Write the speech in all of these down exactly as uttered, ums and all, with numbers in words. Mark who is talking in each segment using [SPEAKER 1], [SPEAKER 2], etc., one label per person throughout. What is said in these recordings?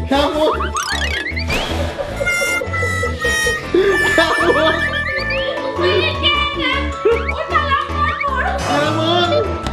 [SPEAKER 1] ข้าวมุนข้าวมุน
[SPEAKER 2] ไม่ได้แกล้งนะโอ๊ยตายแล้วหมดหมด
[SPEAKER 1] ข้าวมุน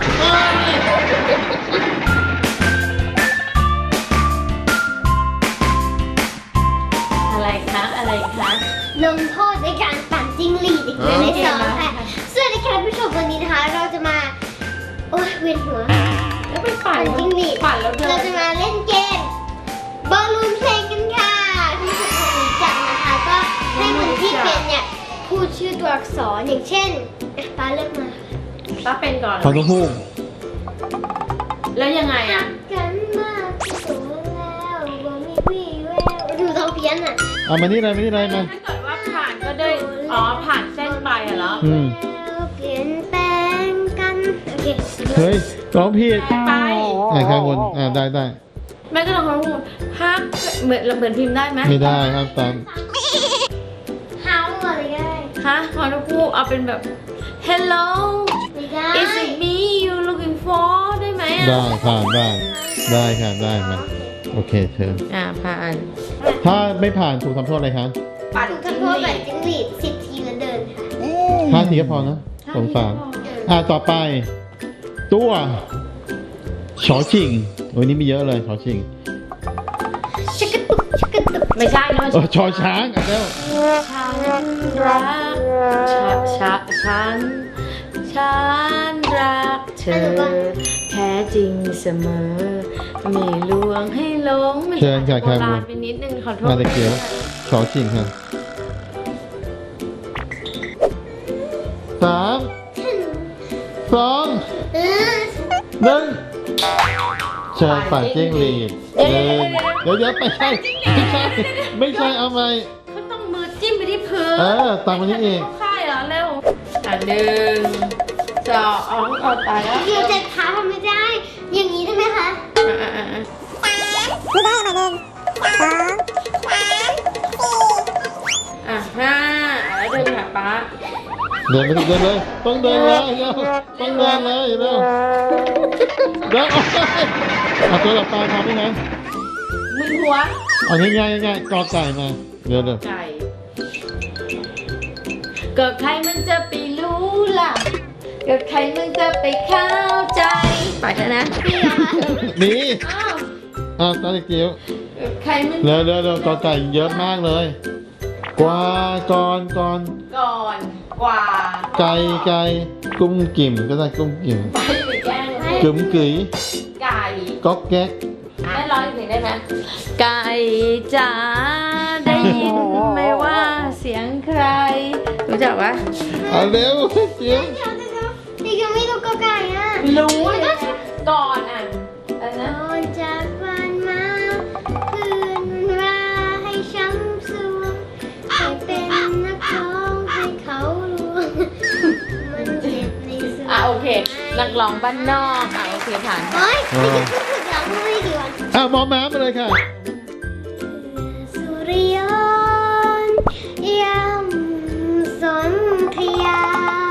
[SPEAKER 2] อะไรคะอะไรคะ
[SPEAKER 3] ลงโทษในการปั่นจิ้งหรีดอีกแล้วในสองค่ะสวัสดีค่ะผู้ชมวันนี้นะคะ เราจะมาโอ้ยเวียนหัว
[SPEAKER 2] แล้วไปปั่น
[SPEAKER 3] จิ้งหรีด
[SPEAKER 2] ปั่นแล้วเดิ
[SPEAKER 3] เรา
[SPEAKER 2] น
[SPEAKER 3] จะมาเล่นเกมบอลลูนเพลงกันค่ะที่ทุกคนรู้จักนะคะก็ให้คนที่เป็นเนี่ยพูดชื่อตัวอักษรอย่างเช่นอ่ะป้าเลือกมา
[SPEAKER 2] ป้าเป็นก่อน
[SPEAKER 1] ขอต้องพูด
[SPEAKER 2] แล้วยังไงอ่ะ
[SPEAKER 3] กันมากที่สุดแล้วบ่มีวี่แววดูต้องเพี้ยนอ่ะ
[SPEAKER 1] เอามานี่เลยมานี่เลยมา
[SPEAKER 2] ถ้าเกิดว่าผ่านก็ได้อ๋อผ่านเส้นไปอะเหรอ
[SPEAKER 1] อืม
[SPEAKER 3] แล้วเปลี่ยนแปลงกันโอเค
[SPEAKER 1] เฮ้ยร้องผิด
[SPEAKER 2] ไป
[SPEAKER 1] อ่าข้าวมุนอ่าได้ได้
[SPEAKER 2] แม่ก็ลองพูดฮักเหมือนเหมือนพิมพ์ได้ไหม
[SPEAKER 1] ไม่ได้ครับตาม
[SPEAKER 3] เฮาอะไรก็ได้
[SPEAKER 2] ฮะขอทุกคู่เอาเป็นแบบ hello
[SPEAKER 3] ไม่ได้
[SPEAKER 2] is it me you looking for ได้ไหมอ่ะ
[SPEAKER 1] ได้ผ่านได้ได้ค่ะได้มาโอเคเชิญ
[SPEAKER 2] อ่าผ่าน
[SPEAKER 1] ถ้าไม่ผ่านถูกทำโทษอะไรคะ
[SPEAKER 2] ปั่น
[SPEAKER 3] ถูก
[SPEAKER 2] จิ้ง
[SPEAKER 3] ทำโทษ
[SPEAKER 2] ห
[SPEAKER 3] แบ
[SPEAKER 2] รี
[SPEAKER 3] บ
[SPEAKER 2] ด
[SPEAKER 3] จิ้งหรีดสิบทีแล้วเดินค่ะ
[SPEAKER 1] ห้าทีก็พอนะสงสารอ่าต่อไป ตัวชอชิงวันนี้มีเยอะเลยชอชิง
[SPEAKER 3] ชักกระตุกชักกระตุก
[SPEAKER 2] ไม่ใช่นะ
[SPEAKER 1] เออชอช้างอ่ะแล้ว
[SPEAKER 2] ฉันรักชะชะฉันฉันรักเธอแท้จริงเสมอมีลวงให้หลงไม่
[SPEAKER 1] เชิญค่ะ
[SPEAKER 2] โบ
[SPEAKER 1] ครับ
[SPEAKER 2] ราณไปนิดนึงขอโทษ
[SPEAKER 1] มาตะเกียวชอชิงค่ะสามสอง
[SPEAKER 3] เออ
[SPEAKER 1] หนึ่งเชิญปั่นจิ้งหรีดเดินเดี๋ยวเดี๋ยวไม่ใช่ไม่ใช่ไม่ใช่เอาไหม
[SPEAKER 2] เขาต้องมือจิ้มไปที่พื้น
[SPEAKER 1] เออตามมานี่เอง
[SPEAKER 2] เข้าค่ายเหรอเร็วอ่ะหนึ่งสองเอาตายแล้ว
[SPEAKER 3] เดี๋ยวจะท้าทำไม่ได้ อย่างนี้ได้ไหมคะ
[SPEAKER 2] อ่ะอ่ะอ่ะอ่ะ
[SPEAKER 3] ไม่ได้มาเดินสองสาม
[SPEAKER 2] อ่ะห้าแล้วเดินหาป๊า
[SPEAKER 1] เดินไปเดินเลยต้องเดินเลยเร็วต้องเดินเลยเร็วเดินเอาตัวหลับตาทำได้ไหม
[SPEAKER 2] มึนหัว
[SPEAKER 1] เอาง่ายๆง่ายๆกอไก่มาเร็วเร็ว
[SPEAKER 2] ไก่ก็ใครมันจะไปรู้ล่ะก็ใครมันจะไปเข้าใจไปแล้วนะ
[SPEAKER 3] นี่เหรอคะ
[SPEAKER 1] นี่
[SPEAKER 2] อ้าว
[SPEAKER 1] อ่าตาตะเกียว
[SPEAKER 2] ก็ใครมัน
[SPEAKER 1] เร็วเร็วเร็วกอไก่เยอะมากเลย กว่าก่อนก่อน
[SPEAKER 2] ก่อนกว่า
[SPEAKER 1] ไก่ไก่กุ้งกิ่มก็ได้กุ้งกิ่ม
[SPEAKER 2] ไปไปแกล้งเลย
[SPEAKER 1] กึ๋มกึ๋ย
[SPEAKER 2] ไก่
[SPEAKER 1] ก๊อกแก๊ก
[SPEAKER 2] ได้ร้อยเพลงได้ไหมไก่จ๋าได้ยินไหมว่าเสียงใคร รู้จักปะ
[SPEAKER 1] เอาเร็วเจียว
[SPEAKER 3] เดี๋ยวเดี๋ยวเดี๋ยวนี่ยังไม่รู้กอไก่อ่ะ
[SPEAKER 2] รู้เลยก่อนอ่ะอะไร
[SPEAKER 3] ต
[SPEAKER 2] นะ
[SPEAKER 3] อนจากบ้านมาคืนราให้ช้ำสวงให้เป็นนักร้องให้เขาลวงมันเจ็บในสว
[SPEAKER 2] อ่ะ
[SPEAKER 3] ง
[SPEAKER 2] โอเค นักร้องบ้านนอกอ่ะโอเคผ่าน
[SPEAKER 3] เฮ้ยไม่ได้พูดถูกแล้วพูดไม่ดีวัน
[SPEAKER 1] อ่ะมอม้ามาเลยค่ะ
[SPEAKER 3] สุริยนต์ยำสนธยา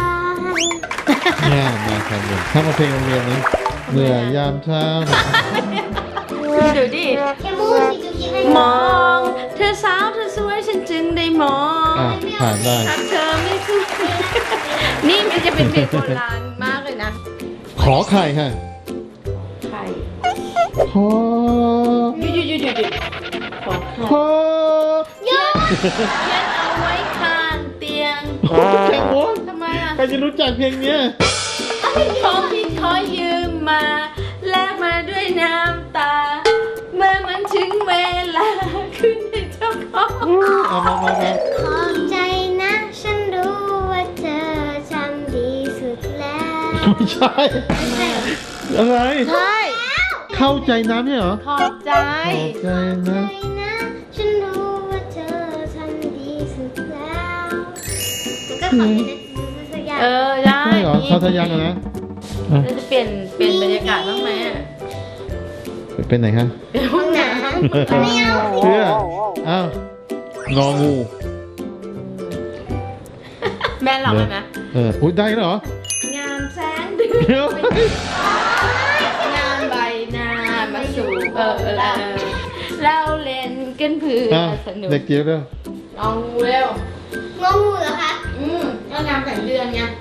[SPEAKER 1] เนี่ยมาครับผมถ้ามาเพลงโรงเรียนนี้เหนื่อยยามเช้า
[SPEAKER 2] ดูดิ
[SPEAKER 3] แค่มูดสิจุกิให้
[SPEAKER 2] มอง เธอสาวเธอสวยฉันจึงได้มอง
[SPEAKER 1] อ่ะผ่านได้
[SPEAKER 2] ถ้าเธอไม่สวยนี่มันจะเป็นเพลงโบราณมากเลยนะ
[SPEAKER 1] ขอไข่ค่ะ
[SPEAKER 2] ไข่
[SPEAKER 1] ขอ
[SPEAKER 2] หยุดหยุดหยุดหยุดหยุดขอไข่
[SPEAKER 1] ขอ
[SPEAKER 3] เยอะ
[SPEAKER 2] เขียนเอาไว้ข้างเตียง
[SPEAKER 1] โอ้แค่โว้ย
[SPEAKER 2] ทำไมอ่ะ
[SPEAKER 1] ใครจะรู้จักเพลงเนี้ย
[SPEAKER 2] ของที่ขอยืมมาแลกมาด้วยน้ำตา เมื่อมันถึงเวลาขึ้นให้เจ้าของ
[SPEAKER 1] เอามามามา
[SPEAKER 3] ขอบใจนะ ฉันรู้ว่าเธอทำดีสุดแล้ว
[SPEAKER 1] ไม่ใช่ อะไร
[SPEAKER 2] ใช่
[SPEAKER 1] เข้าใจน้ำเนี่ยเหรอ
[SPEAKER 2] ขอบใจ
[SPEAKER 1] ขอบใจนะ
[SPEAKER 3] ใจนะ ฉันรู้ว่าเธอทำดีสุดแล้วมันก็ขอบใจนะสักอย่าง
[SPEAKER 2] เออได้
[SPEAKER 1] ใช่เหรอเข้าทะยังอะนะอ่ะ
[SPEAKER 2] เราจะเปลี่ยนเปลี่ยนบรรยากาศบ้างไหมอ่ะ
[SPEAKER 1] เป็นไหนคะ
[SPEAKER 2] เดี๋ยวห้องน้
[SPEAKER 3] ไม่เอา
[SPEAKER 1] เชื่ออ้าวงองู
[SPEAKER 2] ำแม่หลอกไหม
[SPEAKER 1] เอออุ้ยได้แล้วเหรอ
[SPEAKER 2] งามแสงเดื
[SPEAKER 1] เดี๋ยว
[SPEAKER 2] อนงามใบหน้ามาสู่เออเออเออเราเล่กันเพื่อ
[SPEAKER 1] อ่ะ
[SPEAKER 2] สนุก
[SPEAKER 1] เด็กจิ๋วเร็ว
[SPEAKER 2] ลองงูเร็ว
[SPEAKER 3] งองูเหรอคะ
[SPEAKER 2] อืมก็งามแต่งเดือนไง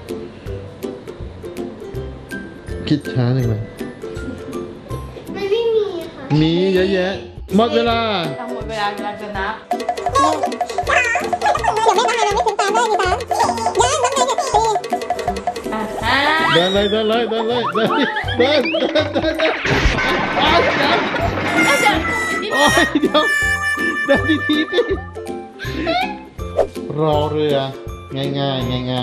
[SPEAKER 1] คิดช้าหนึ่งเลย
[SPEAKER 3] มันไม่มีค่ะ
[SPEAKER 1] มีเยอะแยะหมดเวลา
[SPEAKER 2] ทั้งหมดเวลาเวลาจะนับอ่ะห้า
[SPEAKER 1] เดินเลยเดินเลยเดินเลยเดินเดินเดินเดินเดินโอ๊ยเดิน
[SPEAKER 2] ก็เดิน
[SPEAKER 1] โอ๊ยเดี๋ยวเดินดีๆสิรอเรือง่ายง่ายง่ายง่าย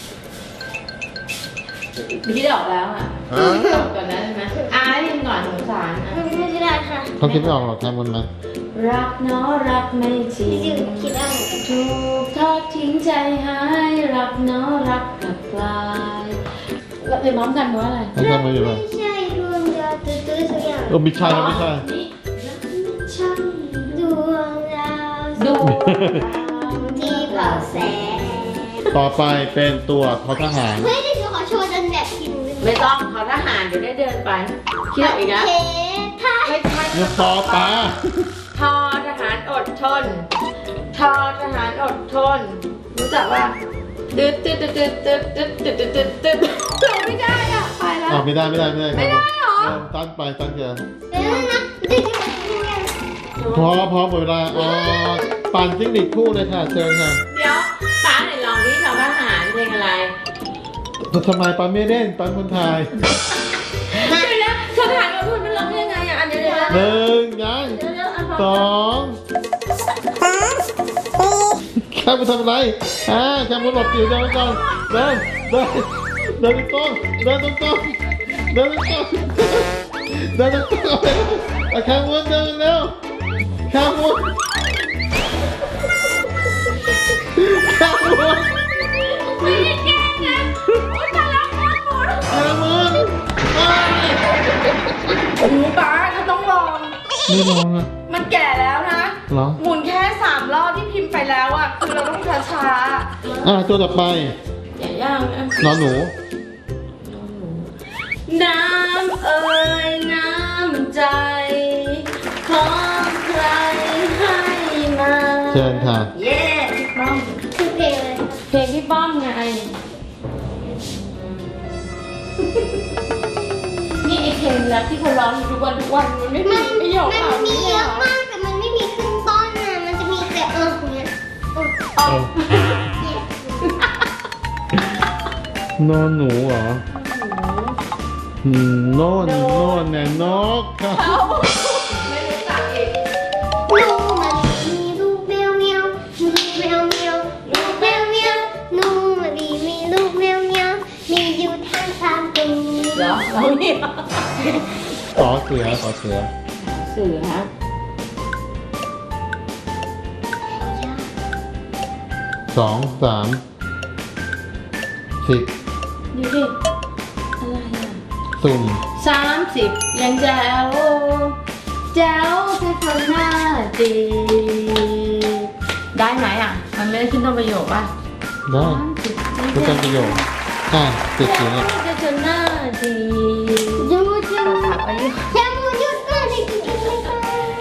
[SPEAKER 2] พี่ออกแล้วอ่ะจบก่อนนะใช่ไหมอ่ะให้พิมพ์ก่อนสงสารอ่ะ
[SPEAKER 3] มันไม่ได้ค่ะ
[SPEAKER 1] เขาคิดไม่ออกหรอกแค่บนมา
[SPEAKER 2] รักเนาะรักไม่จริ
[SPEAKER 3] จริ
[SPEAKER 2] ง
[SPEAKER 3] งๆคิดได้เหมือนกัน
[SPEAKER 2] ถูกทอดทิ้งใจหายรักเนาะรักกลับกลายเราเรียนพร้อมกันว่าอะไร
[SPEAKER 1] ให้ทำมาอยู่เลย
[SPEAKER 3] ไม่ใช่ดวงดาวตื้อๆสักอย่าง
[SPEAKER 1] เออไม่ใช่ครับไม่ใช่
[SPEAKER 2] นี่
[SPEAKER 3] ใช่ดวงดาว
[SPEAKER 2] ดู
[SPEAKER 3] ที่เผาแสง
[SPEAKER 1] ต่อไปเป็นตัวทอทหาร
[SPEAKER 3] เฮ้ยเดี๋ยวขอโชว์ดันแบบกิน
[SPEAKER 2] ไม่ต้องเขาทหารเดี๋ยวได้เดินไปคิดออกอีกแล้ว
[SPEAKER 3] เทท่า
[SPEAKER 2] ไม่ใช่
[SPEAKER 1] เนี่ยต่อปลา
[SPEAKER 2] ทอทหารอดทน ทอทหารอดทน รู้จักว่าตึ๊ดตึ๊ดตึ๊ดตึ๊ดตึ๊ดตึ๊ดตึ๊ดตึ๊ดตึ๊ดตึ๊ดไม่ได้อ่ะไปแล้ว
[SPEAKER 1] อ้าวไม่ได้ไม่ได้ไม่ได้
[SPEAKER 2] ไม่ได้เหรอ
[SPEAKER 1] เริ่มตั้งไปตั้งเกิน
[SPEAKER 3] เดี๋ยวนะเดี๋ยวจะ
[SPEAKER 1] พอพอหมดเวลาอ๋อปั่นจิ้งหรีดคู่เลยค่ะเชิญค่ะ
[SPEAKER 2] เดี๋ยวป้าไหนลองนี่ทอทหารเพลงอะไร
[SPEAKER 1] ทำไมปันไม่เล่นปันคนไทย
[SPEAKER 2] เดี๋ยวนะทอทหารอดทนมันร้องยังไงอ่ะอันเดี๋ยวเดี๋ยว
[SPEAKER 1] หนึ่งยัง
[SPEAKER 2] เดี๋ยวเดี๋ยวอัน
[SPEAKER 1] สองแค่ไปทำอะไรอ่าแค่มาหลบอยู่เดินไปก่อนเดินเดินเดินตรงๆเดินตรงๆเดินตรงๆเดินตรงๆเอาแค่วนเดินเร็วแค่วนแค่วน
[SPEAKER 2] ไม่ได้แกล้งนะโอ๊ยตายแล้วแม่หมด
[SPEAKER 1] แค่วนไป
[SPEAKER 2] โอ้โหป้าเขาต้องลอง
[SPEAKER 1] ไม่ลองอ่ะ
[SPEAKER 2] มันแก่แล้วนะ
[SPEAKER 1] เหรอ
[SPEAKER 2] หมุนแค่สามรอบที่พิมพ์ไปแล้วอ่ะ คือเราต้องช้า
[SPEAKER 1] อ่าตัวต่อไป
[SPEAKER 2] ๆอย่าย่างนะ
[SPEAKER 1] นอนหนู
[SPEAKER 2] น้ำเอ่ยน้ำใจ ของใครให้มา
[SPEAKER 1] เชิญค่ะ
[SPEAKER 2] เย้พี่ป้อม
[SPEAKER 3] คือเพลงอะไรคะ
[SPEAKER 2] เพลงพี่ป้อมไง นี่ไอเพลงแรปที่เขาร้องอยู่ทุกวันทุกวันมันไม่มี
[SPEAKER 3] มัน
[SPEAKER 2] ประโยค
[SPEAKER 3] มันมีเยอะมากแต่มันไม่มีขึ้นต้นนะมันจะมีแต่เอออย่างเงี้ยเออ
[SPEAKER 1] เออ
[SPEAKER 3] เนี่ย
[SPEAKER 1] นอนหนูเหรออืมโน่นโน่นเนี่ยนกครับ
[SPEAKER 2] เขาไม่รู้จักอีก
[SPEAKER 3] หนูมันมีลูกแมวเมียวมีแมวเมียวลูกแมวเมียวหนูมันมีมีลูกแมวเมียวมีอยู่ทั้งสามตัว
[SPEAKER 2] เหรอเราเนี่ย
[SPEAKER 1] ขอเสือขอเสือ
[SPEAKER 2] เสือฮะ
[SPEAKER 1] สองสามสิบ
[SPEAKER 2] ดูดิ อะไรอ่ะ
[SPEAKER 1] สุ่ม
[SPEAKER 2] สามสิบยังแจ๋วแจ๋วแค่คนหน้าจีบได้ไหมอ่ะ มันไม่ได้ขึ้นต้นประโยคป่ะ
[SPEAKER 1] ได้
[SPEAKER 2] สามสิบ
[SPEAKER 1] ก็เป็นประโยชน์อ่ะติดสีเนี่ย
[SPEAKER 2] แค่คนหน้าจีบ
[SPEAKER 3] หยุดหยุ
[SPEAKER 2] เรา
[SPEAKER 3] ด
[SPEAKER 2] ถามอายุ
[SPEAKER 3] แค่มูหยุดก่อนเลยกินไม่ได้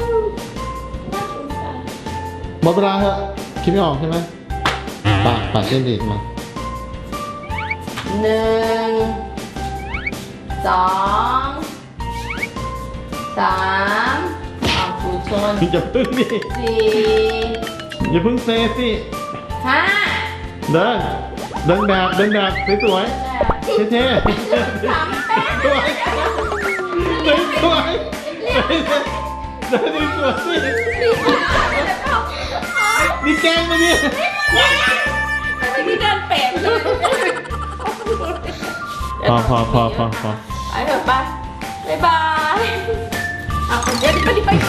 [SPEAKER 1] หมดเวลาเหอะคิดไม่ออกใช่ไหมปากปากเส้นดีดมา
[SPEAKER 2] หนึ่งสองสามเอาถูชน
[SPEAKER 1] อย่าพึ่งดิ
[SPEAKER 2] สี่
[SPEAKER 1] อย่าพึ่งเซสิ
[SPEAKER 2] ห้า
[SPEAKER 1] เดินเดินแบบเดินแบบสวยๆเท่ๆ
[SPEAKER 2] สามแป๊บ
[SPEAKER 1] สวยเดินสวยเดินดีสวยสินี่แกล้งมาเนี่ย
[SPEAKER 2] ไม่ได้เดินเป็ดเลย
[SPEAKER 1] พอพอพอพอพอ
[SPEAKER 2] ไปเถอะไปบ๊ายบายเอาเดี๋ยวไปดิไป